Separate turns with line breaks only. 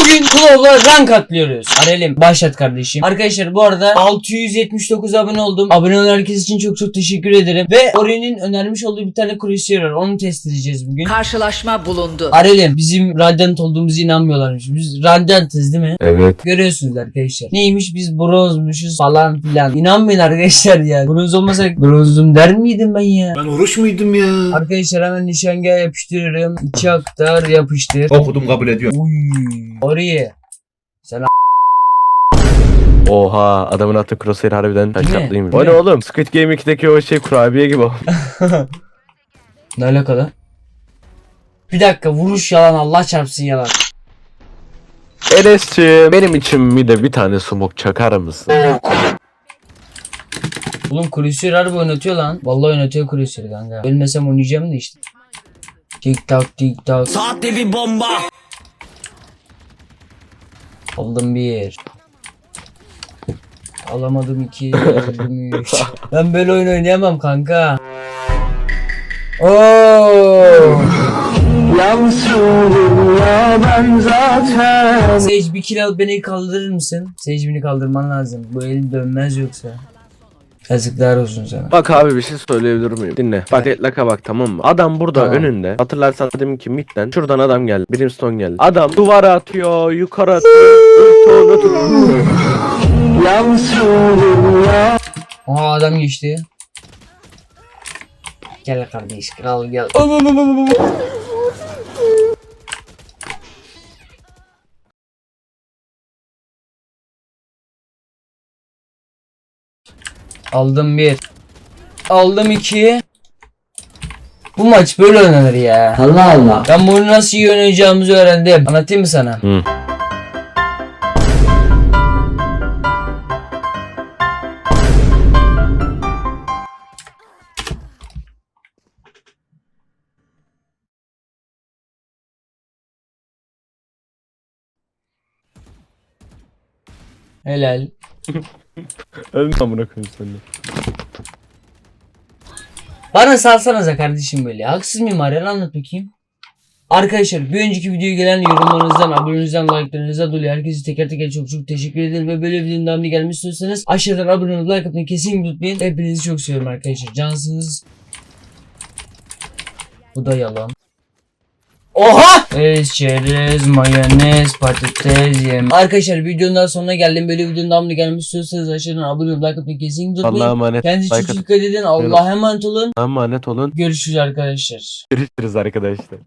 Bugün Claw'la rank atlıyoruz. Arelim başlat kardeşim. Arkadaşlar bu arada 679 abone oldum. Abone olan herkes için çok çok teşekkür ederim. Ve Ori'nin önermiş olduğu bir tane Crusader var. Onu test edeceğiz bugün.
Karşılaşma bulundu.
Arelim bizim Radiant olduğumuzu inanmıyorlarmış. Biz Radiant'ız değil mi?
Evet.
Görüyorsunuz arkadaşlar. Neymiş biz bronzmuşuz falan filan. İnanmayın arkadaşlar ya. Bronz olmasak bronzum der miydim ben ya?
Ben oruç muydum ya?
Arkadaşlar hemen nişangah yapıştırıyorum. İçi aktar yapıştır.
Okudum, kabul ediyorum.
Uy. Oraya. Sen
Oha, adamın attığı crosshair harbiden
Değil mi?
taşlatlıymış.
Değil
O ne
mi?
oğlum? Squid Game 2'deki o şey kurabiye gibi o.
ne alakalı? Bir dakika vuruş yalan Allah çarpsın yalan.
Enes'ciğim benim için mi de bir tane smoke çakar mısın?
Oğlum Crusader harbi oynatıyor lan. Vallahi oynatıyor Crusader kanka. Ölmesem oynayacağım da işte. Tik tak tik tak.
Saatte bir bomba.
Aldım bir. Alamadım iki. Aldım üç. Ben böyle oyun oynayamam kanka. Oo. Sage bir kill al beni kaldırır mısın? Sage beni kaldırman lazım. Bu el dönmez yoksa. Yazıklar olsun sana.
Bak abi bir şey söyleyebilir miyim? Dinle. Bak Deadlock'a bak, tamam mı? Adam burada
Tamam.
önünde. Hatırlarsan dedim ki midden şuradan adam geldi. Brimstone geldi. Adam duvara atıyor, yukarı atıyor. Ulti atıyor.
Aa adam geçti. Gel kardeş kral gel. Aldım bir. Aldım iki. Bu maç böyle oynanır ya. Allah Allah. Ben bunu nasıl iyi oynayacağımızı öğrendim. Anlatayım mı sana?
Hı.
Helal.
Ölme amına koyayım seni.
Bana salsanıza kardeşim böyle. Haksız mıyım Arel, anlat bakayım. Arkadaşlar bir önceki videoya gelen yorumlarınızdan, abonenizden, like'larınızdan dolayı herkese teker teker çok çok teşekkür ederim. Ve böyle videonun devamını gelmek istiyorsanız aşağıdan abone olup like atmayı kesin unutmayın. Hepinizi çok seviyorum arkadaşlar. Cansınız. Bu da yalan. Oha! Çerez, mayonez, patates, yem. Arkadaşlar videonun daha sonuna geldim. Böyle videonun devamını gelmek istiyorsanız aşağıdan abone olup like atmayı kesin unutmayın.
Allah'a emanet.
Kendinize çok
Like
dikkat edin. Allah'a emanet olun.
Emanet olun.
Görüşürüz arkadaşlar.
Görüşürüz arkadaşlar.